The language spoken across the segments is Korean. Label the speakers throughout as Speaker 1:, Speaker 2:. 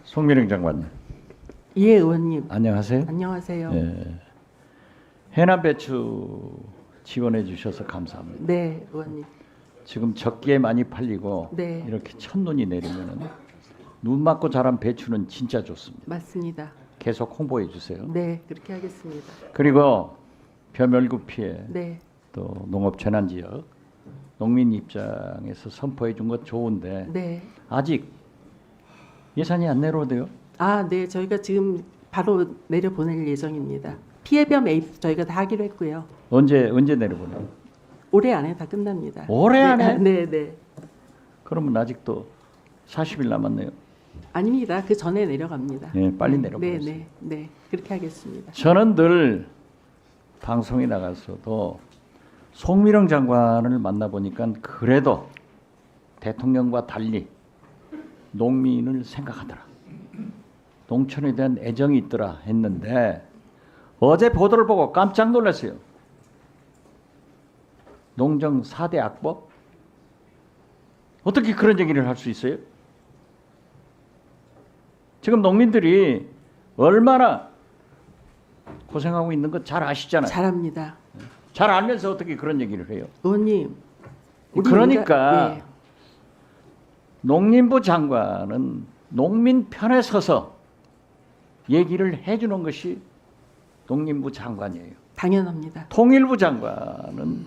Speaker 1: 송미령 장관님.
Speaker 2: 예, 의원님.
Speaker 1: 안녕하세요.
Speaker 2: 안녕하세요.
Speaker 1: 예. 해남 배추 지원해 주셔서 감사합니다.
Speaker 2: 네, 의원님.
Speaker 1: 지금 적기에 많이 팔리고
Speaker 2: 네.
Speaker 1: 이렇게 첫눈이 내리면은 눈 맞고 자란 배추는 진짜 좋습니다.
Speaker 2: 맞습니다.
Speaker 1: 계속 홍보해 주세요.
Speaker 2: 네, 그렇게 하겠습니다.
Speaker 1: 그리고 벼멸구 피해
Speaker 2: 네,
Speaker 1: 또 농업 재난 지역 농민 입장에서 선포해 준 것 좋은데
Speaker 2: 네.
Speaker 1: 아직 예산이 안 내려오대요.
Speaker 2: 아, 네, 저희가 지금 바로 내려 보낼 예정입니다. 피해별 매입 저희가 다 하기로 했고요.
Speaker 1: 언제 내려보내요?
Speaker 2: 올해 안에 다 끝납니다.
Speaker 1: 올해 안에?
Speaker 2: 네, 네.
Speaker 1: 그러면 아직도 40일 남았네요.
Speaker 2: 아닙니다. 그 전에 내려갑니다.
Speaker 1: 네, 빨리
Speaker 2: 네,
Speaker 1: 내려보내세요.
Speaker 2: 네, 네. 그렇게 하겠습니다.
Speaker 1: 저는 늘 방송에 나가서도 송미령 장관을 만나보니까 그래도 대통령과 달리 농민을 생각하더라. 농촌에 대한 애정이 있더라 했는데 어제 보도를 보고 깜짝 놀랐어요. 농정 4대 악법? 어떻게 그런 얘기를 할 수 있어요? 지금 농민들이 얼마나 고생하고 있는 거 잘 아시잖아요.
Speaker 2: 잘합니다.
Speaker 1: 잘 알면서 어떻게 그런 얘기를 해요?
Speaker 2: 의원님. 우리
Speaker 1: 그러니까
Speaker 2: 네.
Speaker 1: 농림부 장관은 농민 편에 서서 얘기를 해주는 것이 농림부 장관이에요.
Speaker 2: 당연합니다.
Speaker 1: 통일부 장관은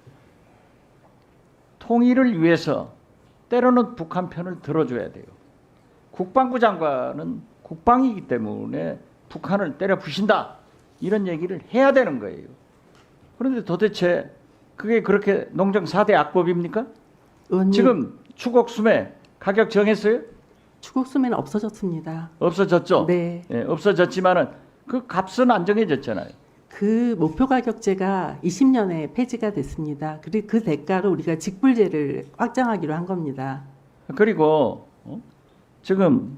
Speaker 1: 통일을 위해서 때로는 북한 편을 들어줘야 돼요. 국방부 장관은 국방이기 때문에 북한을 때려 부신다 이런 얘기를 해야 되는 거예요. 그런데 도대체 그게 그렇게 농정 4대 악법입니까?
Speaker 2: 의원님.
Speaker 1: 지금 추곡수매 가격 정했어요?
Speaker 2: 추곡수매는 없어졌습니다.
Speaker 1: 없어졌죠?
Speaker 2: 네.
Speaker 1: 예, 없어졌지만은 그 값은 안정해졌잖아요.
Speaker 2: 그 목표 가격제가 20년에 폐지가 됐습니다. 그리고 그 대가로 우리가 직불제를 확장하기로 한 겁니다.
Speaker 1: 그리고 지금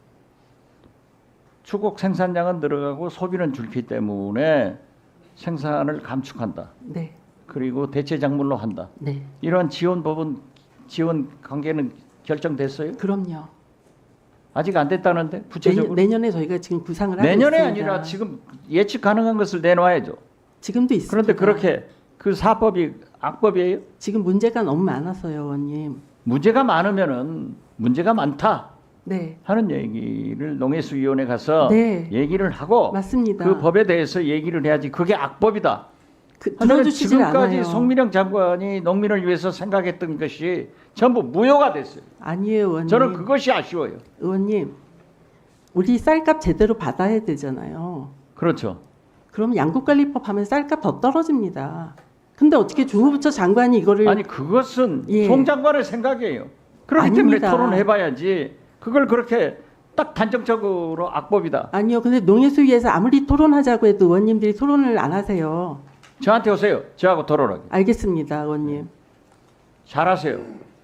Speaker 1: 추곡 생산량은 늘어가고 소비는 줄기 때문에 생산을 감축한다.
Speaker 2: 네,
Speaker 1: 그리고 대체 작물로 한다.
Speaker 2: 네,
Speaker 1: 이러한 지원 관계는 결정됐어요?
Speaker 2: 그럼요.
Speaker 1: 아직 안 됐다는데 구체적으로
Speaker 2: 내년에 저희가 지금 구상을 하고
Speaker 1: 내년에
Speaker 2: 있습니다.
Speaker 1: 아니라 지금 예측 가능한 것을 내놔야죠.
Speaker 2: 지금도 있습니다.
Speaker 1: 그런데 그렇게 그 사법이 악법이에요?
Speaker 2: 지금 문제가 너무 많아서요, 의원님.
Speaker 1: 문제가 많으면은 문제가 많다
Speaker 2: 네,
Speaker 1: 하는 얘기를 농해수위원회 가서
Speaker 2: 네.
Speaker 1: 얘기를 하고
Speaker 2: 맞습니다.
Speaker 1: 그 법에 대해서 얘기를 해야지 그게 악법이다. 하지만
Speaker 2: 들어주시질
Speaker 1: 지금까지
Speaker 2: 않아요.
Speaker 1: 송미령 장관이 농민을 위해서 생각했던 것이 전부 무효가 됐어요.
Speaker 2: 아니에요, 의원님.
Speaker 1: 저는 그것이 아쉬워요.
Speaker 2: 의원님, 우리 쌀값 제대로 받아야 되잖아요.
Speaker 1: 그렇죠.
Speaker 2: 그러면 양국관리법 하면 쌀값 더 떨어집니다. 근데 어떻게 주무부처 장관이 이거를
Speaker 1: 아니 그것은
Speaker 2: 예.
Speaker 1: 송 장관의 생각이에요. 그렇기
Speaker 2: 아닙니다.
Speaker 1: 때문에 토론해봐야지. 그걸 그렇게 딱 단정적으로 악법이다.
Speaker 2: 아니요. 근데 농해수위에서 아무리 토론하자고 해도 의원님들이 토론을 안 하세요.
Speaker 1: 저한테 오세요. 저하고 토론하게.
Speaker 2: 알겠습니다, 의원님.
Speaker 1: 잘하세요.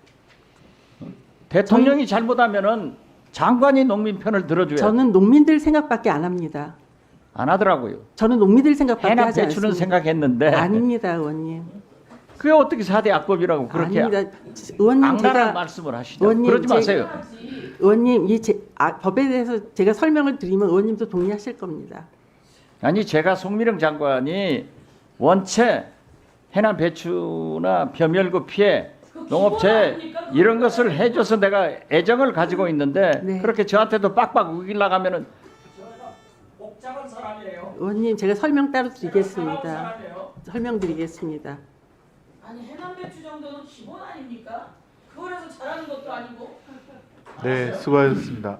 Speaker 1: 대통령이 잘못하면은 장관이 농민 편을 들어줘야 돼.
Speaker 2: 저는 농민들 생각밖에 안 합니다.
Speaker 1: 안 하더라고요.
Speaker 2: 저는 농민들 생각밖에
Speaker 1: 해남
Speaker 2: 하지
Speaker 1: 배추는
Speaker 2: 않습니다.
Speaker 1: 생각했는데
Speaker 2: 아닙니다, 의원님.
Speaker 1: 그게 어떻게 4대 악법이라고 그렇게
Speaker 2: 아닙니다. 의원님
Speaker 1: 악랄한
Speaker 2: 제가
Speaker 1: 말씀을 하시죠.
Speaker 2: 의원님,
Speaker 1: 그러지 마세요.
Speaker 2: 의원님 법에 대해서 제가 설명을 드리면 의원님도 동의하실 겁니다.
Speaker 1: 아니 제가 송미령 장관이 원체 해남 배추나 벼멸구 피해 농업체 이런 것을 해줘서 내가 애정을 가지고 있는데
Speaker 2: 네.
Speaker 1: 그렇게 저한테도 빡빡 우기려고 하면은 복잡한 사람이에요.
Speaker 2: 의원님 제가 설명 따로 드리겠습니다. 설명드리겠습니다.
Speaker 3: 아니 해남 배추 정도는 기본 아닙니까? 그거라서 잘하는 것도 아니고.
Speaker 4: 네, 수고하셨습니다.